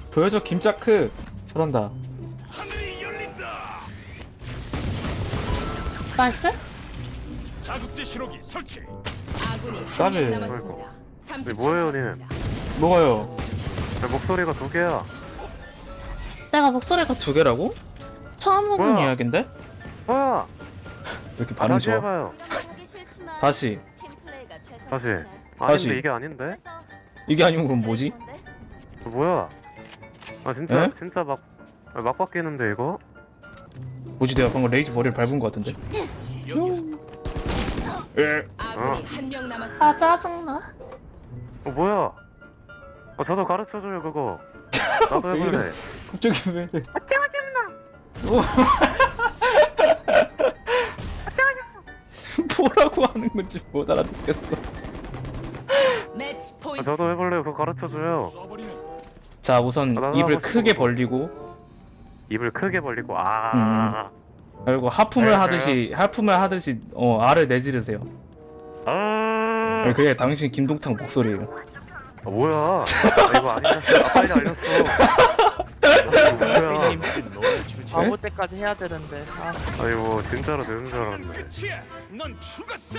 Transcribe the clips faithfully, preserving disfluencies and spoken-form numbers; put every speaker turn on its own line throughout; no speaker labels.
보여줘 김짜크. 잘한다.
하늘이 열린다.
나이스?
자극제 신호기 설치.
아군이
까비.
한 명 남았습니다. 삼십 초
뭐예요,
남았습니다.
뭐가요?
내 목소리가 두 개야.
내가 목소리가
두 개라고?
처음
뭐야?
듣는
이야기인데?
뭐야?
왜 이렇게
아,
반응
다시
좋아?
해봐요.
다시.
다시.
다시.
아닌데 이게 아닌데?
이게 아니면 그럼 뭐지?
어, 뭐야? 아 진짜
에?
진짜 막 아, 막 바뀌는데 이거?
뭐지? 내가 방금 레이지 머리를 밟은 것 같은데? 에.
아군이
어.
한 명 남았습니다.
아 짜증나.
어 뭐야? 아 저도 가르쳐줘요 그거. 나도 해볼래.
갑자기 왜? 뭐라고 하는 건지 못 알아듣겠어.
매치
아,
포인트.
저도 해볼래요. 그거 가르쳐줘요.
쏴버리는
자, 우선
아, 나도
입을
하고 싶어,
크게
그거.
벌리고
입을 크게 벌리고 아.
그리고 하품을
네,
하듯이 하품을 하듯이 어 알을 내지르세요.
아.
그게 당신 김동탁 목소리예요.
아 뭐야? 아, 이거 아니었어. 아, 빨리 알렸어. 아, 뭐야?
너의 주제.
바보 때까지 해야 되는데. 아,
아니 뭐 진짜로 되는 줄 알았네.
끝이야. 넌 죽었어.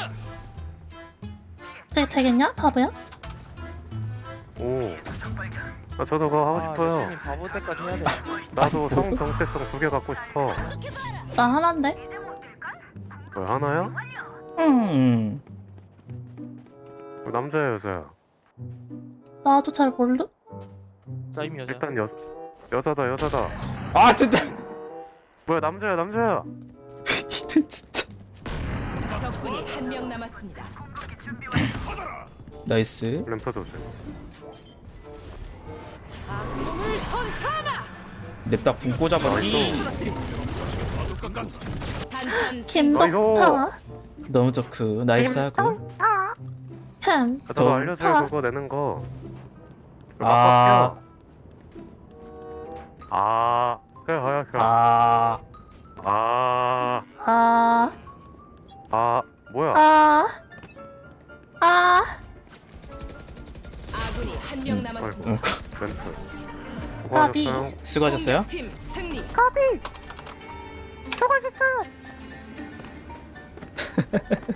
네, 되겠냐? 바보야?
오. 아 저도 그거 하고
아,
싶어요.
레슨이 바보 때까지 해야 돼.
나도 성 정체성 두 개 갖고 싶어.
나 하나인데?
뭐 하나요?
응.
음.
남자야 여자야?
나도 잘 모르.
나임 여자.
일단 여 여자다 여자다.
아 진짜.
뭐야 남자야 남자야?
이래 진짜.
적군이 한 명 남았습니다.
나이스.
램프 조심.
악몽을 선사하라.
냅다 붕 꽂아버리.
단판
김덕타.
너무 좋고 나이스하고.
캠.
아, 저도
더-
알려줘요
아.
그거 내는 거.
아.
아. 아. 그래 하야 그래.
아.
아.
아.
아. 뭐야?
아. 아.
아군이 한 명 남았습니다.
어,
램프.
까비.
수고하셨어요.
수고하셨어요?
팀 승리.
수고하셨어요.